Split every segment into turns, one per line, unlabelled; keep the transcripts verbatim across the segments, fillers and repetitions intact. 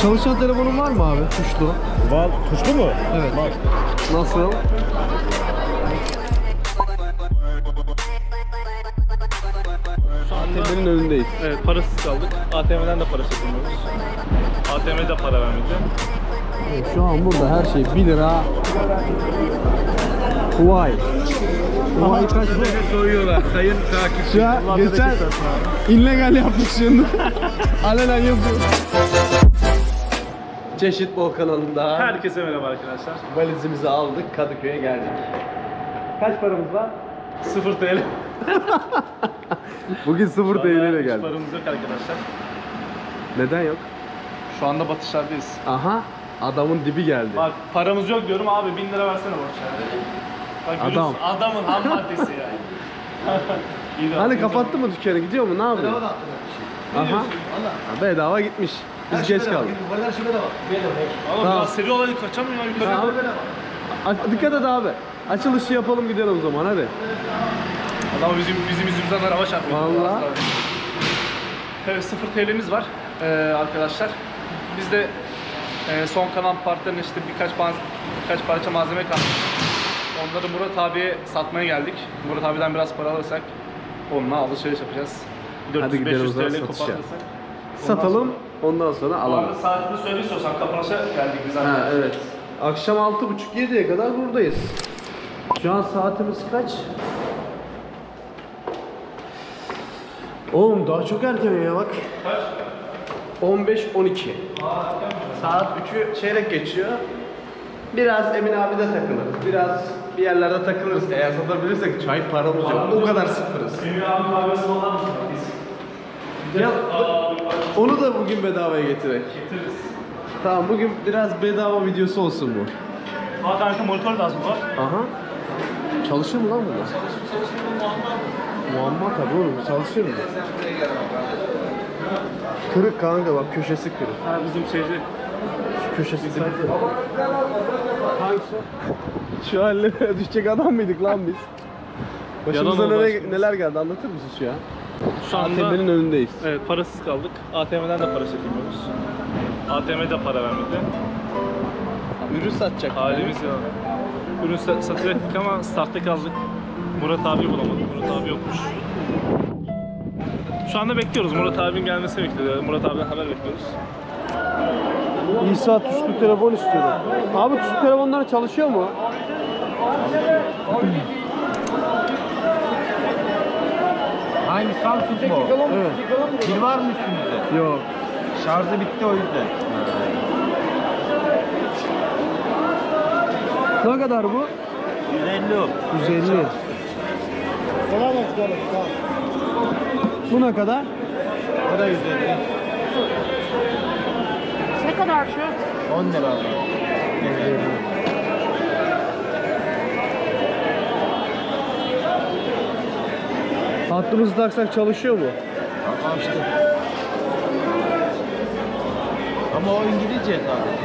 Çalışan telefonun var mı abi? Tuşlu.
Var. Tuşlu mu?
Evet.
Var.
Nasıl?
Şu
A
anda
T M'nin önündeyiz.
evet, parasız kaldık. A T M'den de para çekilmiyoruz. A T M'de para vermedi.
Evet, şu an burada her şey bir lira. Vay. Vay kaç bu?
Soyuyorlar sayın takipçi.
Şu an geçen illegal yaptık şimdi. Alenen yapıyoruz. Çeşit Bol kanalında
Herkese merhaba arkadaşlar.
valizimizi aldık, Kadıköy'e geldik. Kaç paramız var?
sıfır T L.
Bugün sıfır T L ile
Hiç
geldik.
paramız yok arkadaşlar.
Neden yok?
Şu anda batışlardayız.
Aha, adamın dibi geldi.
Bak paramız yok diyorum abi, bin lira versene borç yani. Bak,
Adam.
görüyorsun, adamın ham maddesi yani. İyi de
Hani
atayım
kapattı mı dükkanı, gidiyor mu, ne yapıyor?
canım. Ne
Aha,
diyorsun?
ha, bedava gitmiş. Biz geç kaldık.
Oğlum
Tamam.
biraz seri olarak kaçamıyor yukarı.
Tamam. A- Dikkat et abi. Açılışı yapalım, gidelim o zaman, hadi.
Adam bizim bizim yüzümüzden araba çarpıyor.
Vallahi.
Evet, sıfır T L'miz var ee, arkadaşlar. Biz de e, son kalan partların işte birkaç maz- birkaç parça malzeme kaldı. Onları Murat abiye satmaya geldik. Murat abiden biraz para alırsak onunla alışveriş yapacağız.
Hadi gidelim o
dört yüz beş yüz
zaman
T L
satışa.
kopartırsak.
Satalım, ondan sonra
Bu
alalım.
arada saatini söyle istiyorsan, kapanışa geldik biz
Ha,
arkadaşlar.
evet. Akşam altı buçuk yediye kadar buradayız. Şu an saatimiz kaç? Oğlum daha çok erken ya bak.
Kaç?
on beş on iki. Saat üçü çeyrek geçiyor. Biraz Emin abi de takılırız. Biraz bir yerlerde takılırız. Eğer satabilirsek çay paramız yok. O kadar sıfırız.
Emir abi kahvesi olan mı? Biz
Ya, onu da bugün bedavaya getirek.
getiririz.
Tamam, bugün biraz bedava videosu olsun bu.
Aa kanka, monitör lazım var.
Aha. Çalışır mı lan bunlar? Muamma tabii oğlum, çalışır mı? Kırık kanka, bak köşesi kırık.
Ha, bizim şeyci.
Şu köşesi kırık. Hangisi? Şu hallere düşecek adam mıydık lan biz? Başımıza
Yalan oldu
neler,
aşkım.
neler geldi, anlatır mısın şu an?
Şu
A T
anda
M'nin önündeyiz.
evet, parasız kaldık. A T M'den de para çekemiyoruz. A T M'de para vermedi.
Ürün satacak.
Halimiz ya. Ürün sa- satacaktık ama startta kaldık. Murat abi bulamadık. Murat abi yokmuş. Şu anda bekliyoruz. Murat abinin gelmesini bekliyoruz. Murat abiden haber bekliyoruz.
İsa tuşlu telefon istiyorum. Abi tuşlu telefonlar çalışıyor mu?
Hangi Samsung mu?
Evet.
Pil var mı üstünüzde?
Yok.
Şarjı bitti o yüzden.
Ne kadar bu?
yüz elli o.
yüz elli. Bu ne kadar?
O da yüz elli.
Ne kadar şu?
on lira abi.
Hattımızı taksak çalışıyor mu?
Ama işte. Ama o İngilizce tabii.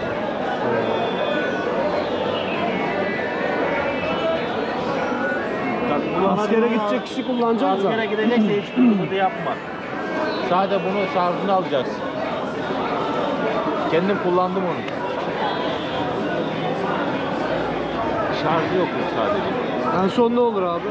Askere gidecek kişi kullanacak da.
Askere gidecekse hiç bunu yapma. Sadece bunu şarjını alacaksın. Kendim kullandım onu. Şarjı yok sadece.
En son ne olur abi?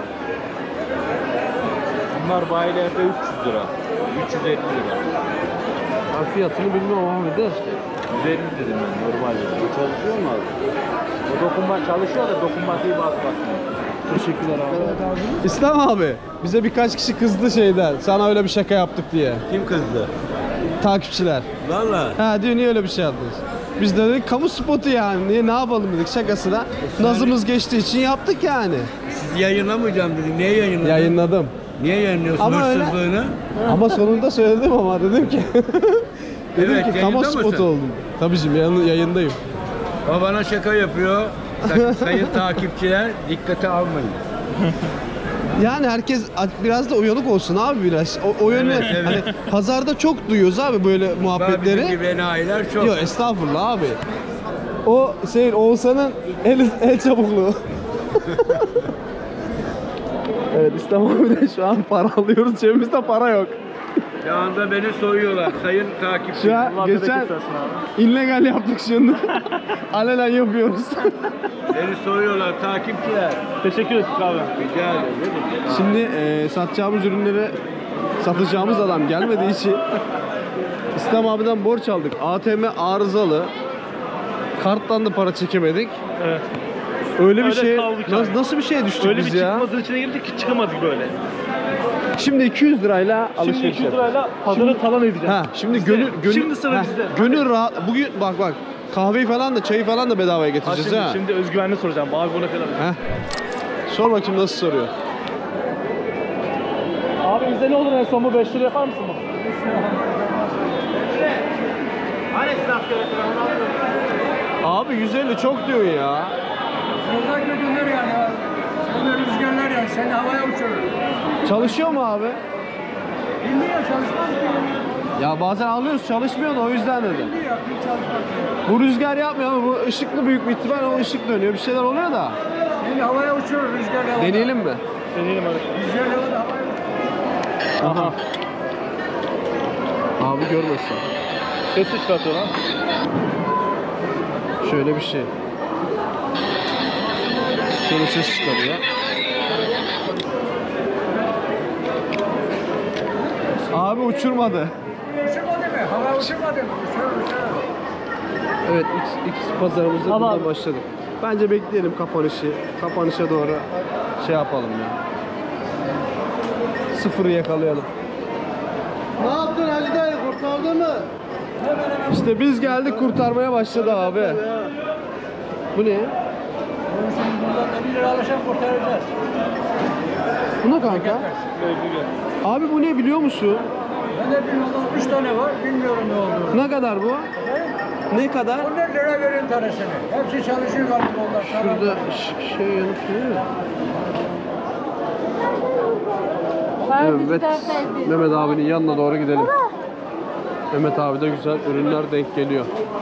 Bunlar bayilerde üç yüz lira. üç yüz elli lira.
Ben fiyatını bilmiyorum abi de.
yüz elli dedim ben normalde. Çalışıyor mu abi? O dokunma çalışıyor da dokunmatiği bas basmıyor.
Teşekkürler abi. İslam abi, bize birkaç kişi kızdı şeyden. Sana öyle bir şaka yaptık diye.
Kim kızdı?
Takipçiler.
Valla.
Ha diyor, niye öyle bir şey yaptınız? Biz de dedik kamu spotu yani. Niye, ne yapalım dedik şakasına. Nazımız geçtiği için yaptık yani.
Siz yayınlamayacağım dedin. Niye yayınladın?
Yayınladım.
Niye yayınlıyorsun
Ama öyle-
hırsızlığını?
Ama sonunda söyledim ama dedim ki. dedim
Evet,
ki kamu
yayında
spotu
mısın?
oldum. Tabii şimdi yayın- yayındayım.
O bana şaka yapıyor. Sakın sayın takipçiler dikkate almayın.
Yani herkes biraz da uyanık olsun abi biraz. O, o yönü
Evet, evet.
hani pazarda çok duyuyoruz abi böyle
Bizim
muhabbetleri.
gibi enayiler çok.
Yok estağfurullah abi. O şey Oğuzhan'ın el, el çabukluğu. Evet İslam abi de şu an para alıyoruz, cebimizde para yok.
Şu anda beni soyuyorlar sayın takipçi.
Şu an geçen illegal yaptık şimdi. Alenen yapıyoruz.
Beni soyuyorlar takipçiler.
Teşekkür ederim abi.
Rica ederim.
Şimdi e, satacağımız ürünleri satacağımız adam gelmediği için İslam abiden borç aldık. A T M arızalı. Karttan da para çekemedik.
Evet.
Öyle bir
Öyle
şey
kaldık
nasıl,
yani.
nasıl bir şeye düştük
Öyle
biz
bir
ya?
çıkmazın içine girdik ki çıkamadık böyle.
Şimdi iki yüz lirayla
Şimdi
alışveriş
iki yüz
yapıyoruz.
lirayla pazarı talan edeceğiz.
Ha, şimdi
Bizde.
gönül gönül
Şimdi sıra
ha,
bizde.
Gönül rahat. Bugün bak bak kahveyi falan da çayı falan da bedavaya
Ha,
getireceğiz
şimdi,
ha.
şimdi özgüvenli soracağım. Abi bu ne kadar?
Heh. Sor bakayım nasıl soruyor.
Abi bize ne olur en son bu beş lira yapar mısın bu?
Abi yüz elli çok diyor ya.
Yoldan götürür yani. Sen de rüzgarlar yani. Seni havaya uçurur.
Çalışıyor mu abi?
Bilmiyor çalışmaz ki.
Ya bazen alıyoruz çalışmıyor da o yüzden dedi.
Bilmiyor. Bir çalışmaz.
Bu rüzgar yapmıyor ama bu ışıklı büyük bir ihtimal o ışık dönüyor bir şeyler oluyor da.
Seni havaya uçurur rüzgarla. havada.
Deneyelim mi?
Deneyelim hadi.
Rüzgarla havada havaya uçurur.
Aha.
Abi görmesin.
Sesi çıkartıyor lan.
Şöyle bir şey. Şöyle ses çıkarıyor. Abi uçurmadı.
Uçurmadı mı? Hava uçurmadı mı? Uçurur uçurur.
Evet X, X pazarımıza
Tamam.
buradan başladık. Bence bekleyelim kapanışı. Kapanışa doğru şey yapalım ya. Sıfırı yakalayalım. Ne yaptın Hacı dayı, kurtardın mı? İşte biz geldik kurtarmaya başladı abi. Bu ne?
Onun için buradan da bir lira alırsan kurtaracağız.
Bu ne kanka? Abi bu ne biliyor musun?
Ben de bilmiyorum. Üç tane var. Bilmiyorum ne olduğunu.
Ne kadar bu? Ne kadar?
on lira verin tanesini. Hepsi çalışıyor galiba onlar.
Şurada ş- şey yanıp duruyor. Evet, Mehmet abinin yanına doğru gidelim. Mehmet abi de güzel ürünler denk geliyor.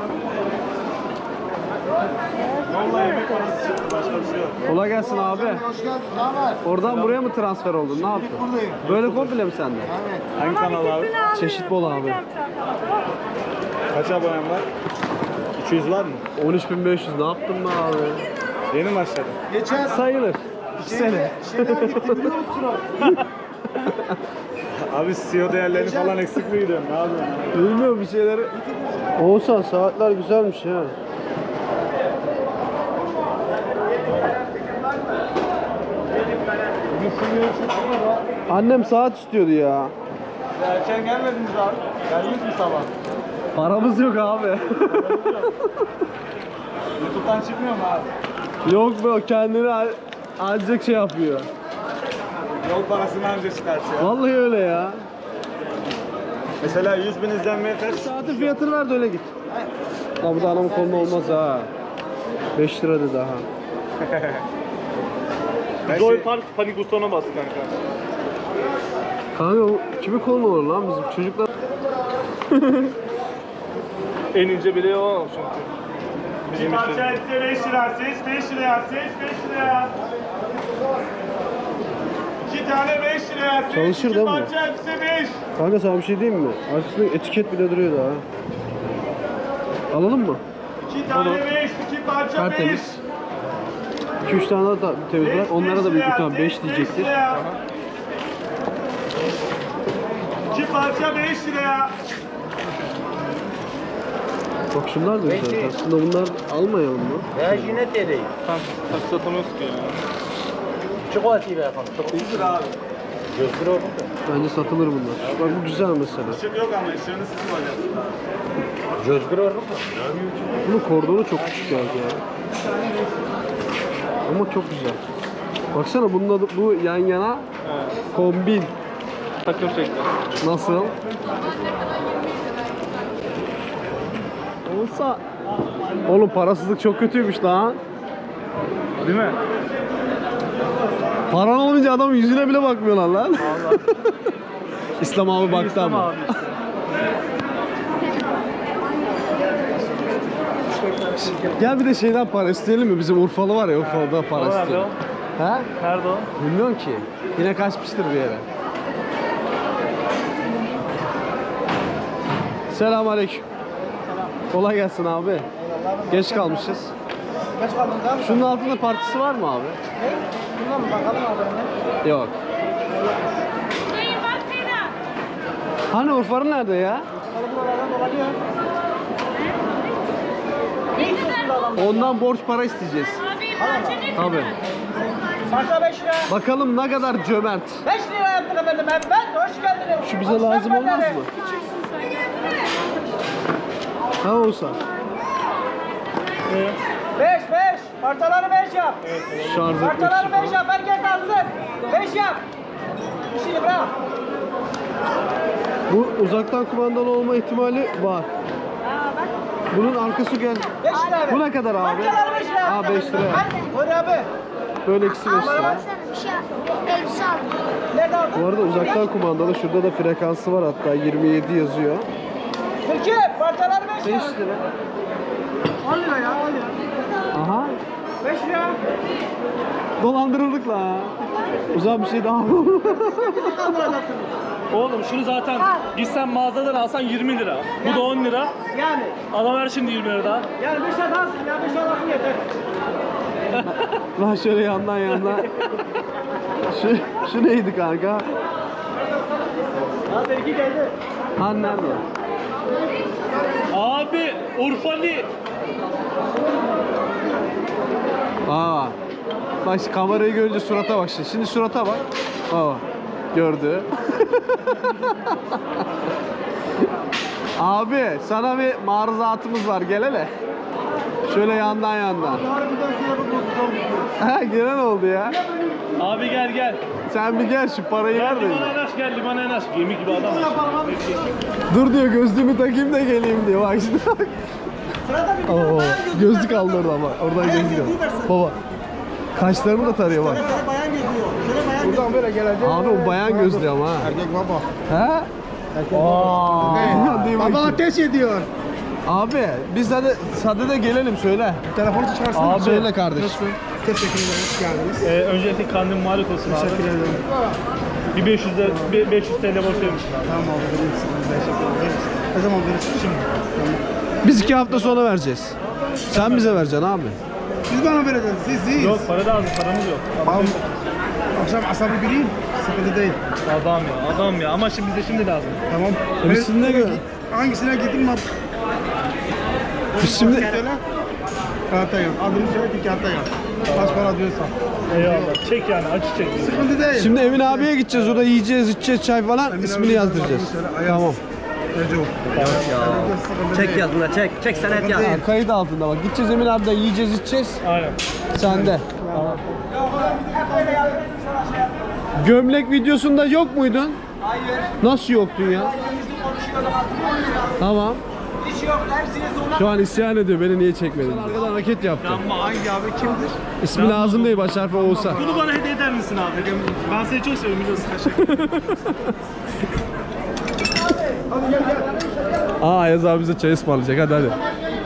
Kolay gelsin abi.
Hoş geldin. Ne haber?
Oradan buraya mı transfer oldun? Ne yaptın?
Buradayım.
Böyle komple mi sende?
Hangi kanal abi?
Çeşit bol abi.
Kaç abonem var? iki yüz var mı?
on üç bin beş yüz ne yaptın be abi?
Yeni mi başladın?
Geçen
Sayılır. iki sene.
şeyden gittim biliyor musun abi?
Abi C E O değerlerini falan eksik mi gidiyorsun? Ne yapıyorsun?
Bilmiyorum bir şeyleri. Oğuzhan saatler güzelmiş ya. Annem saat istiyordu ya.
Erken gelmediniz abi. Geldiniz mi sabah?
Paramız yok abi.
YouTube'dan çıkmıyor mu abi?
Yok be o kendini al- ancak şey yapıyor.
Yol parasını anca çıkartıyor.
Vallahi öyle ya.
Mesela yüz bin izlenmeye kaç?
Saatin fiyatını ver de öyle git. La bu da anamın koluna olmaz ha. beş lira dedi daha.
Joy Park panik butonuna bas kanka.
Kanka o kimin koluna olur lan bizim çocuklar?
En ince bile o çünkü. Bizim
Parça etse beş lira, seç beş liraya, seç beş liraya. İki tane beş liraya, seç.
Çalışır
İki
değil mi bu?
parça etse beş.
Kanka sana bir şey diyeyim mi? Arkasında etiket bile duruyor daha. Alalım mı?
İki tane beş, iki parça beş.
Tertemiz. iki üç tane daha temiz bırak. Onlara da büyük ihtimal beş diyecektir.
İki parça beş liraya.
Bak şunlar da güzel. Aslında bunlar almayalım mı?
Ya yine deneyin.
Tam tak satamıyoruz ki ya.
Çikolatayı ver bakalım. Çok
yüz lira abi.
Gözleri oldu da.
Bence satılır bunlar. Bak bu güzel mesela.
Işık yok ama ışığını siz koyacaksınız.
Gözleri oldu mu?
Bunun kordonu çok küçük geldi ya. Ama çok güzel. Baksana bunun adı, bu yan yana kombin.
Takım şekli.
Nasıl? Olsa. Oğlum parasızlık çok kötüymüş lan.
Değil mi?
Paran olmayınca adamın yüzüne bile bakmıyorlar lan. İslam abi baktı
İslam
ama.
abi işte.
Gel bir de şeyden para isteyelim mi? Bizim Urfalı var ya Urfalı'da para
O nerede
isteyelim.
o?
He?
Nerede o?
Bilmiyorum ki. Yine kaçmıştır bir yere. Selamünaleyküm. Kolay gelsin abi. Geç kalmışız.
Geç kaldın tamam mı?
Şunun altında partisi var mı abi?
Ne? Bundan mı bakalım abi?
Yok. Hani Urfa'nın nerede ya?
Buralardan dolanıyor.
Ondan borç para isteyeceğiz. Tabii.
Parça beş lira.
Bakalım ne kadar cömert.
beş lira yaptık efendim. Ben, ben hoş geldiniz.
Şu bize lazım olmaz mı? Ha olsa.
beş beş. Parçaları beş yap.
Şarj etmek
Parçaları
için
beş
falan.
yap. Herkes alsın. beş yap. İşini bırak.
Bu uzaktan kumandalı olma ihtimali var. Bunun arkası gel.
beş lira abi.
Bu ne kadar abi?
Parçaları beş lira.
Aa beş lira.
Buyur abi.
Böyle ikisi beş lira.
Bir şey elbise aldım.
Nerede aldın?
Bu arada uzaktan kumandalı. Şurada da frekansı var hatta. yirmi yedi yazıyor.
Türkiye parçaları beş lira.
beş lira.
on lira ya on lira.
Aha.
beş lira.
Dolandırıldık la. Uzak bir şey daha var.
Oğlum şunu zaten gitsen mağazadan alsan yirmi lira. Bu da on lira.
Yani.
Adam ver şimdi yirmi lira daha.
Yani beş lira alsın ya beş lira alsın yeter.
Lan şöyle yandan yandan. Şu, şu neydi kanka?
Ya seninki geldi.
Han nerede?
Abi Urfalı.
Aa. Bak şimdi kamerayı görünce surata bak şimdi. Şimdi surata bak. Aa. Gördü. Abi sana bir maruzatımız var. Gel hele. Şöyle yandan yandan. Ha gelen oldu ya.
Abi gel gel.
Sen bir gel şu parayı
Gel
ver de.
limana yanaş gel limana yanaş. Gemi gibi adam var.
Dur diyor gözlüğümü takayım da geleyim diyor. Bak şimdi bak. Oo, gözlük aldı orada ama. Oradan gözlük aldı. Baba. Kaşlarını da tarıyor bak.
Bayan geziyor. Şöyle bayan Buradan böyle gelecek.
Abi o bayan gözlüğü ama ha.
Erkek baba.
He? Aa. Değil
Baba
bakayım.
ateş ediyor.
Abi biz hadi sade de gelelim söyle.
Telefonu çıkarsana.
Abi.
Söyle kardeş.
Teşekkür ederim. Hoş geldiniz.
Ee, öncelikle kandil mübarek olsun abi.
Teşekkür ederim.
Bir beş yüz de, bir beş yüz T L borç vermişsin abi.
Tamam abi verir misin? Teşekkür ederim. Ne zaman verirsin? Şimdi.
Biz iki hafta sonra vereceğiz. Sen bize vereceksin abi.
Siz bana vereceksiniz. Siz siz.
Yok para lazım paramız yok.
Tamam. Akşam asabi biriyim. Sıkıntı değil.
Adam ya adam ya ama şimdi bize şimdi lazım.
Tamam.
E biz şimdi ne gö-
Hangisine gideyim abi?
Biz şimdi
Söyle. Kağıtta yaz. Adını söyle ki kağıtta yaz. Kaç para diyorsan.
Eyvallah. Çek yani acı çek.
Sıkıntı değil.
şimdi Emin abiye gideceğiz. Orada yiyeceğiz, içeceğiz çay falan.
Emin
İsmini
abi,
yazdıracağız.
adını söyle, Ayaz.
Tamam.
Recep.
Çek yaz buna çek. Çek senet yaz.
Ha, kayıt altında bak. Gideceğiz Emin abiden yiyeceğiz, içeceğiz.
Aynen.
Sende. Gömlek videosunda yok muydun?
Hayır.
Nasıl yoktun ya? Tamam.
Hiç yok. Hepsini zorla.
Şu an isyan ediyor. Beni niye çekmedin? Arkadan hareket yaptı.
Hangi abi kimdir?
İsmi lazım değil. Baş harfi olsa.
Bunu bana hediye eder misin abi? Ben seni çok seviyorum biliyorsun.
Hadi gel gel.
Aa Ayaz abi bize çay ısmarlayacak. Hadi hadi.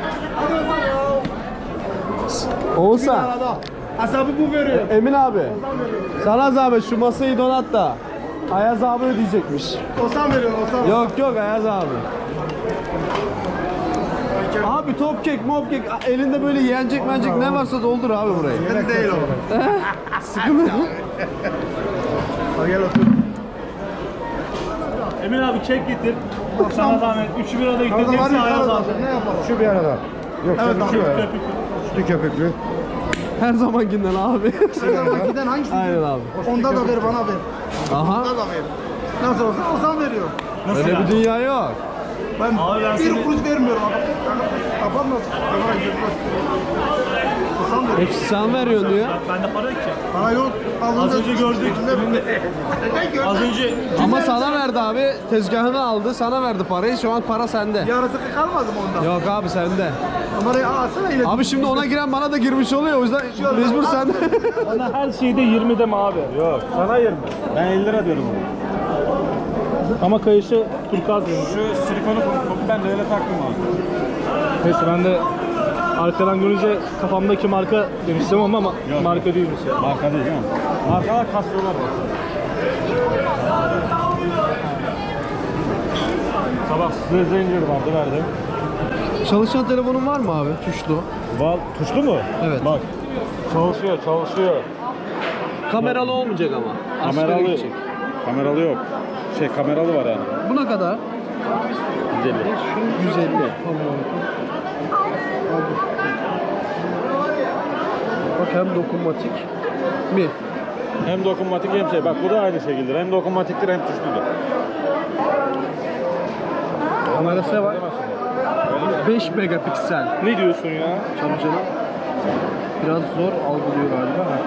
Oğuzhan.
Asabı bu veriyor.
Emin abi. Sana zahmet şu masayı donat da. Ayaz abi ödeyecekmiş.
Osam veriyor Osam.
Yok yok Ayaz abi. Abi top kek, mop kek, elinde böyle yenecek mencek ne varsa doldur abi burayı.
Hadi değil o.
Sıkıntı yok.
Hadi gel otur.
Emin abi çek getir. Sana zahmet. Üçü bir arada
Orada var
gittiğimizde
ya
ayaz
arada.
abi.
Ne yapalım?
Şu bir arada. Yok
Evet
tabii şu
abi.
var. Sütü köpüklü.
Her zamankinden abi.
Giden hangisi?
Aynen abi.
Onda da ver bana ver.
Aha.
Onda da ver. Nasıl olsa Osam veriyor.
Nasıl
Öyle
yani?
bir dünya yok.
Ben
Abi ben
bir
seni-
kuruş vermiyorum. Kapatmaz. Kamera gözükmez. Osam veriyor.
Hepsi sen veriyorsun diyor.
Bende para yok ki.
Bana yok.
Az önce gördük.
Ne gördün?
Az önce
Ama sana verdi abi. Tezgahını aldı. Sana verdi parayı. Şu an para sende.
Yarısı kalmadı mı ondan?
Yok abi sende.
Numarayı alsana ile.
Abi şimdi ona giren bana da girmiş oluyor. O yüzden mecbur sende.
bana her şeyde yirmi deme abi.
Yok sana yirmi. Ben elli lira diyorum ona.
Ama kayışı turkuaz benim.
Şu silikonu ben de öyle taktım abi.
Neyse ben de arkadan görünce kafamdaki marka demiştim ama ma- marka değilmiş ya.
Marka değil değil mi? Markalar kasıyorlar bak.
Sabah
Size zincir bandı verdim.
Çalışan telefonun var mı abi? Tuşlu.
Val tuşlu mu?
Evet.
Bak. Çalışıyor, çalışıyor.
Kameralı olmayacak ama. Askere
Kameralı.
gidecek.
Kameralı yok. Şey kameralı var yani.
Buna kadar
yüz elli.
yüz elli. Bak hem dokunmatik mi?
Hem dokunmatik hem şey. Bak bu da aynı şekilde. Hem dokunmatiktir hem tuşludur.
Kamerası var. beş megapiksel.
Ne diyorsun ya?
Tabii canım. Biraz zor algılıyor galiba. Ha.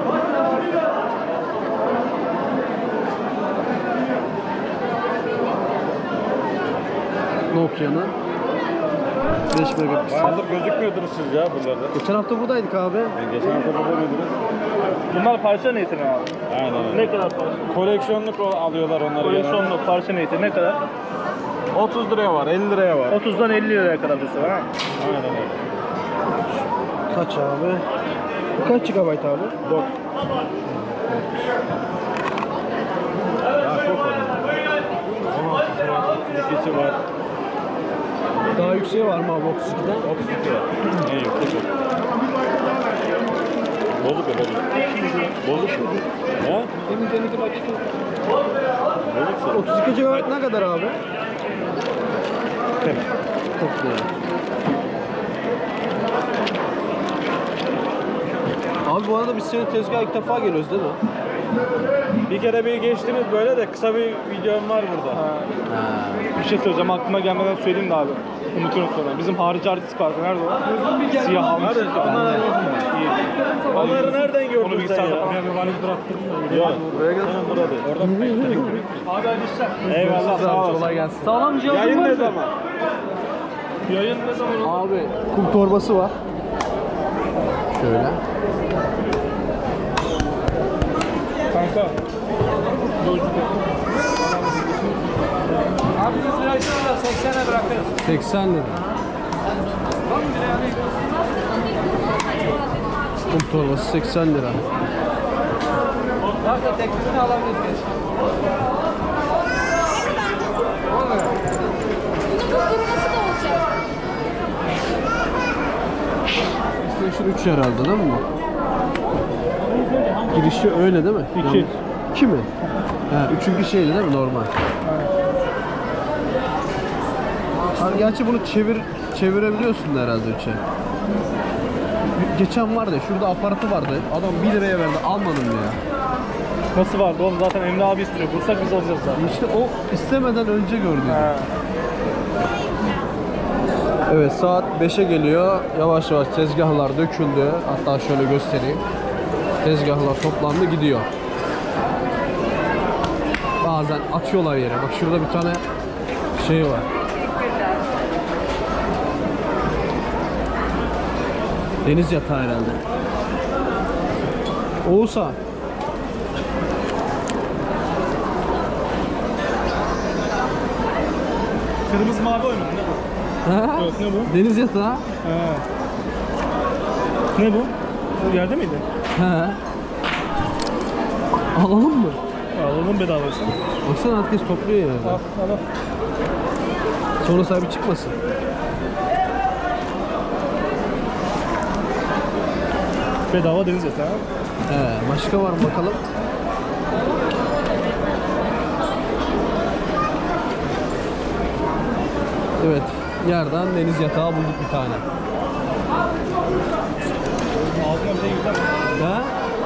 Nokia'nın beş megapiksel.
Bayağıdır gözükmüyordunuz siz ya buralarda.
Geçen hafta buradaydık abi.
Yani geçen hafta burada mıydınız?
Bunlar parça niyetine abi.
Aynen öyle.
Ne kadar parça?
Koleksiyonluk o- alıyorlar onları.
Koleksiyonluk parça niyeti ne kadar?
genelde. otuz liraya var, elli liraya var.
otuzdan elli liraya kadar bir var ha.
Aynen öyle.
Kaç abi? Bu kaç gigabayt abi?
Bak. Daha çok var. on altısı var, otuz ikisi var.
Daha yükseği var mı abi otuz ikiden?
otuz iki var. En yüksek o. Bozuk o bozuk. Bozuk mu? He? Bozuksa.
otuz iki gigabayt ne kadar abi?
kırk.
kırk lira. Abi bu arada biz senin tezgaha ilk defa geliyoruz değil mi?
Bir kere bir geçtiniz böyle de kısa bir videom var burada.
Bir şey söyleyeceğim aklıma gelmeden söyleyeyim de abi. Unutuyorum sonra. Bizim harici artist vardı. Nerede o? Siyah almış.
Nerede? Onları
İyi.
Onları nereden
Onu
gördün sen
bilgisayarda
ya?
falan.
Bir valiz bıraktım. Yok. Buraya gel. Burada değil. Orada
Abi hadi işler.
Eyvallah sağ olasın.
Kolay gelsin.
Sağlam cihazın
Yayın
var
ne
mı?
zaman?
Yayın ne zaman olur?
Abi kum torbası var. Şöyle.
Kanka.
Abi yüz lirayı sonra seksene bırakırız.
seksen lira. Kum torbası seksen lira.
Varsa teklifini alabiliriz.
Bunun kuruması da olacak.
PlayStation üç herhalde değil mi bu? Girişi öyle değil mi?
İki.
Yalnız- İki mi? Ha, üçüncü şeydi değil mi normal? Abi gerçi bunu çevir çevirebiliyorsun da herhalde üçe. Geçen vardı şurada aparatı vardı. Adam bir liraya verdi almadım ya.
Nasıl vardı oğlum? Zaten Emre abi istiyor. Bulsak biz alacağız zaten.
İşte o istemeden önce gördüm. Evet saat beşe geliyor. Yavaş yavaş tezgahlar döküldü. Hatta şöyle göstereyim. Tezgahlar toplandı gidiyor. Bazen atıyorlar yere. Bak şurada bir tane şey var. Deniz yatağı herhalde. Oğuzhan.
Kırmızı mavi oynadı ne bu?
Ha?
Evet ne bu?
Deniz yatağı.
He. Ne bu? Bu yerde miydi?
He. Alalım mı?
Alalım bedavası.
Baksana herkes topluyor yani.
Al al al.
Sonra sahibi çıkmasın.
Bedava deniz yatağı.
He, başka var mı bakalım? Evet, yerden deniz yatağı bulduk bir tane.
Ağzına bir şey gider.
Ha?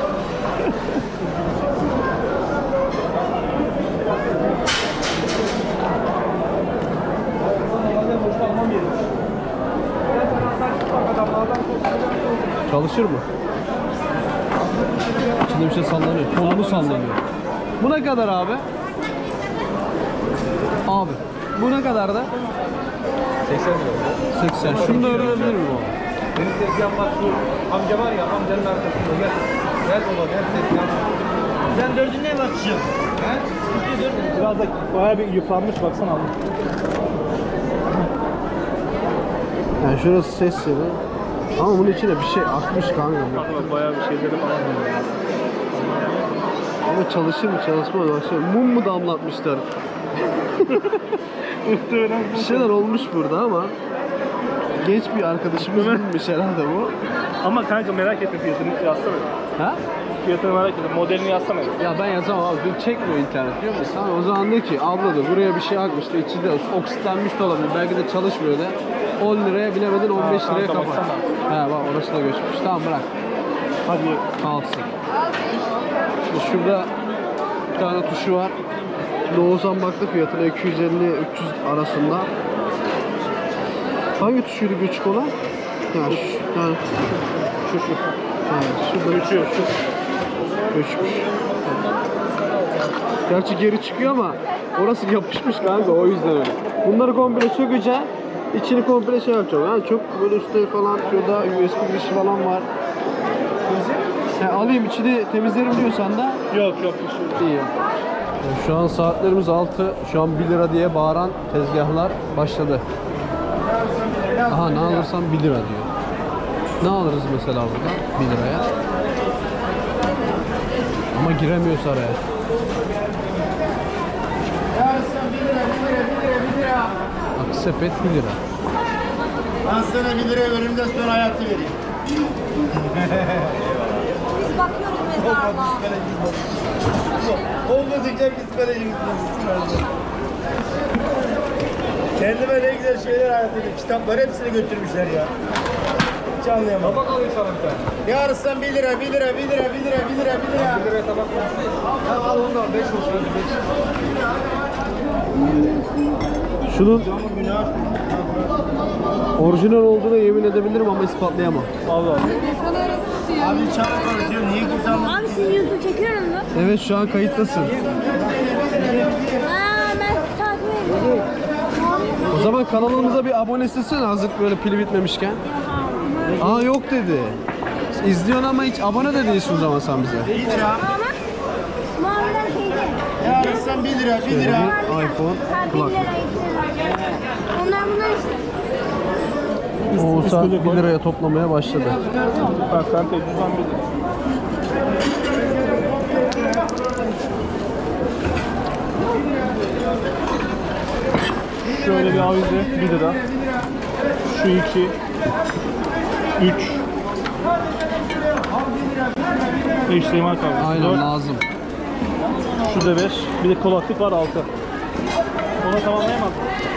Çalışır mı? İçinde bir şey sallanıyor. Kolunu sallanıyor. Bu ne kadar abi? Abi. Bu ne kadar da?
seksen lira.
seksen. Şunu da öğrenebilir miyim abi?
Benim tezgahım bak şu amca var ya amcanın arkasında gel. Gel baba gel tezgahım. Sen dördün neye bakacaksın? He?
Biraz da bayağı bir yıpranmış baksana abi.
Yani şurası ses yeri. Ama bunun içine bir şey akmış kanka.
Bak bayağı bir şeyleri falan var.
Ama çalışır mı çalışmaz mı? Baksana, mum mu damlatmışlar?
Muhtemelen.
Bir şeyler olmuş burada ama genç bir arkadaşımız bilmiş herhalde bu.
Ama kanka merak ettim fiyatını yazsana.
Ha?
Fiyatını merak ettim. Modelini yazsana.
Ya ben yazamam abi. Dün çekmiyor internet diyor musun? O zaman de ki abla da buraya bir şey akmıştı. İçi de oksitlenmiş de olabilir. Belki de çalışmıyor da. on liraya bilemedin on beş
Ha,
liraya
kanka
kapat.
baksana.
He bak orası da göçmüş. Tamam bırak.
Hadi.
Kalsın. Şimdi şurada bir tane tuşu var. Şimdi Oğuzhan baktı fiyatına iki yüz elli üç yüz arasında. Hangi tuşuydu küçük olan? Ya şu, yani şu şu. Ha, şurada
Göçüyor şu.
göçmüş. Gerçi geri çıkıyor ama orası yapışmış kanka o yüzden öyle. Bunları komple sökeceğim. İçini komple şey yapacağım. Yani çok böyle üstte falan şurada U S B girişi falan var. He, alayım içini temizlerim diyorsan da
Yok yok.
iyi. Yani şu an saatlerimiz altı. Şu an bir lira diye bağıran tezgahlar başladı. Aha ne alırsam bir lira diyor. Ne alırız mesela burada bir liraya? Ama giremiyoruz araya. Bak sepet bir lira.
Ben sana bir lira ölümden sonra hayatı vereyim.
Biz bakıyoruz mezarlığa.
Olmadıkça psikolojimiz bozulsun. Kendime ne güzel şeyler hayat ediyorum. Kitapları hepsini götürmüşler ya. Hiç anlayamam. Tabak alayım sana bir tane. Yarısı bir lira, bir lira, bir lira, bir lira, bir lira, bir lira. Bir liraya tabak var. Ya al onu da beş olsun hadi beş.
Şunun orijinal olduğuna yemin edebilirim ama ispatlayamam.
Allah.
Abi çabuk konuşuyor. Niye kimse anlamıyor?
Abi şimdi YouTube çekiyorum mu?
Evet şu an kayıttasın.
Aa ben takip ediyorum.
O zaman kanalımıza bir abone istesene hazır böyle pili bitmemişken. Aa yok dedi. İzliyorsun ama hiç abone de değilsin o zaman sen bize.
Hiç ya.
Ama maviler şeyde.
Yarısı bir lira, bir lira.
Bir iPhone
Ha bir
kulaklık.
lira, iki lira. Onlar bunlar işte.
Oğuzhan bir liraya toplamaya başladı.
Bak sen tek düzen bir. Şöyle bir avize bir lira. Şu iki. Üç. H D M I kablosu.
Aynen
Dört.
lazım.
Şu da beş. Bir de kulaklık var altı. Ona tamamlayamaz.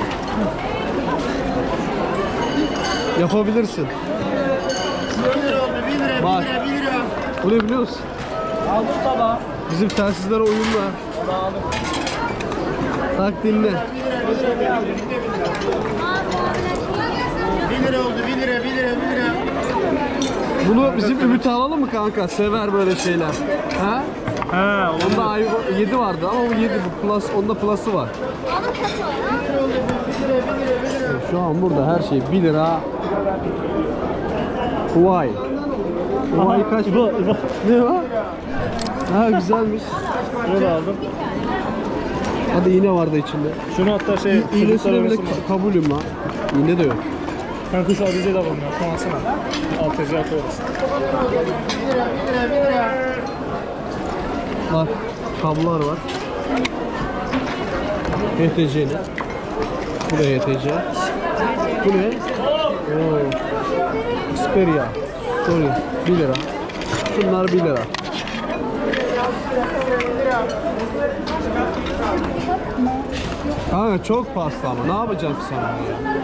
Yapabilirsin.
Bir lira oldu, bir lira, bir
Bak.
lira, bir lira.
Bu ne biliyor musun?
Aldım tabağı.
Bizim telsizlere uyumlu. Tak dinle.
Bir lira oldu, bir lira, bir lira, bir lira.
Bunu bizim Ümit'e alalım mı kanka? Sever böyle şeyler. Ha?
He,
Onda iPhone yedi vardı ama bu yedi bu plus onda plus'ı var. Şu an burada her şey bir lira. Huawei. Huawei kaç?
İbo, İbo.
Ne o? Ha güzelmiş.
Bunu da aldım.
Hadi iğne vardı içinde.
Şunu hatta şey...
İ- İğnesine
çocuklara
bile
versin
ka- kabulüm ha. İğne de yok.
Kanka şu avizeyi de alalım ya. Şunu alsana. Alt tezgah koyarız.
Bak kablolar var. H T C'li. Bu da H T C. Bu ne? Oo. Xperia. Sorry. bir lira. Şunlar bir lira. Kanka çok pahalı ama ne yapacağım ki sana ya?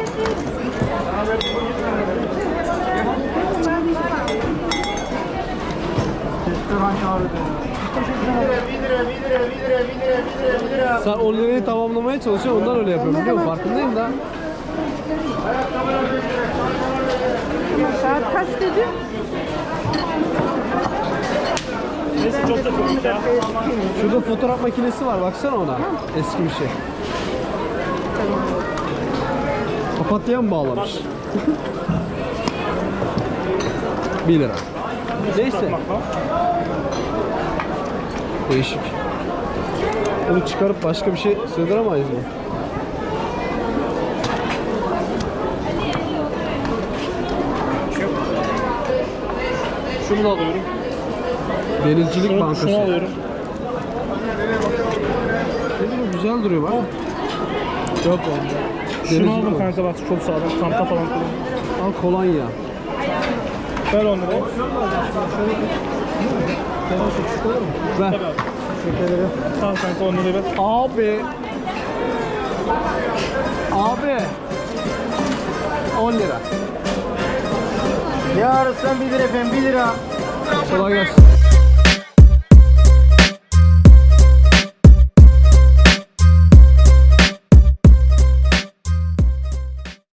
Bir lira, bir lira, bir lira, bir lira, bir lira, bir lira.
Sen on lirayı tamamlamaya çalışıyorsun ondan öyle yapıyorum biliyor musun? Farkındayım da.
Saat kaç dedi?
Neyse çok da çok ya.
Şurada fotoğraf makinesi var baksana ona. Eski bir şey. Papatya'ya mı bağlamış? bir lira. Neyse. Değişik. Bunu çıkarıp başka bir şey sığdıramayız mı?
Şunu da alıyorum.
Denizcilik
Şunu,
Bankası.
şunu alıyorum.
Ne bu güzel duruyor bak. Çok oldu.
Şunu aldım kanka bak çok sağlam. Çanta falan kullan.
Al kolonya.
Ver on lirayı.
Ver.
Tamam kanka on lirayı ver.
Abi. Abi. on lira.
Ne ararsan bir lira efendim bir lira.
Kolay gelsin.